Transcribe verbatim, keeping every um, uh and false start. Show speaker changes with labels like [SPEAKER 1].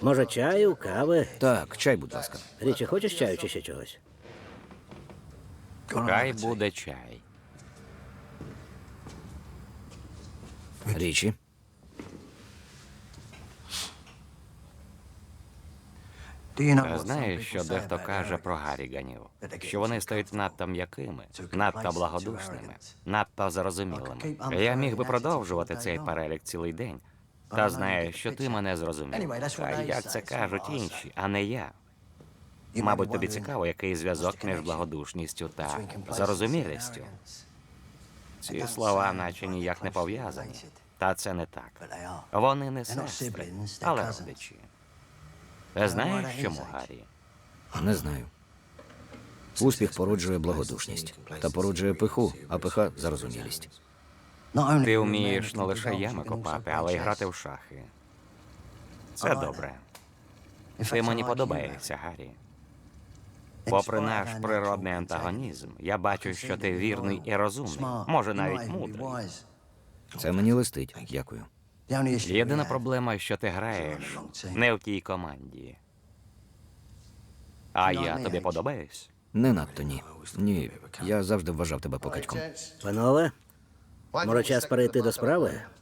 [SPEAKER 1] Може, чаю, кави?
[SPEAKER 2] Так, чай, будь ласка.
[SPEAKER 1] Річі, хочеш чаю чи ще чогось?
[SPEAKER 3] Хай буде чай.
[SPEAKER 2] Річі.
[SPEAKER 3] Знаєш, що дехто каже про гаріганів, що вони стають надто м'якими, надто благодушними, надто зрозумілими. Я міг би продовжувати цей перелік цілий день. Та знаю, що ти мене зрозумів. А як це кажуть інші, а не я. Мабуть, тобі цікаво, який зв'язок між благодушністю та зарозумілістю. Ці слова наче ніяк не пов'язані. Та це не так. Вони не сестри, але родичі. Ти знаєш, чому, Гаррі?
[SPEAKER 2] Не знаю. Успіх породжує благодушність. Та породжує пиху, а пиха – зарозумілість.
[SPEAKER 3] Ти вмієш не лише ями копати, але й грати в шахи. Це добре. Ти мені подобаєшся, Гаррі. Попри наш природний антагонізм, я бачу, що ти вірний і розумний, може навіть мудрий.
[SPEAKER 2] Це мені листить. Дякую.
[SPEAKER 3] Єдина проблема, що ти граєш не в тій команді. А я тобі подобаюсь?
[SPEAKER 2] Не надто ні. Ні, я завжди вважав тебе покатьком.
[SPEAKER 1] Панове, може час перейти до справи?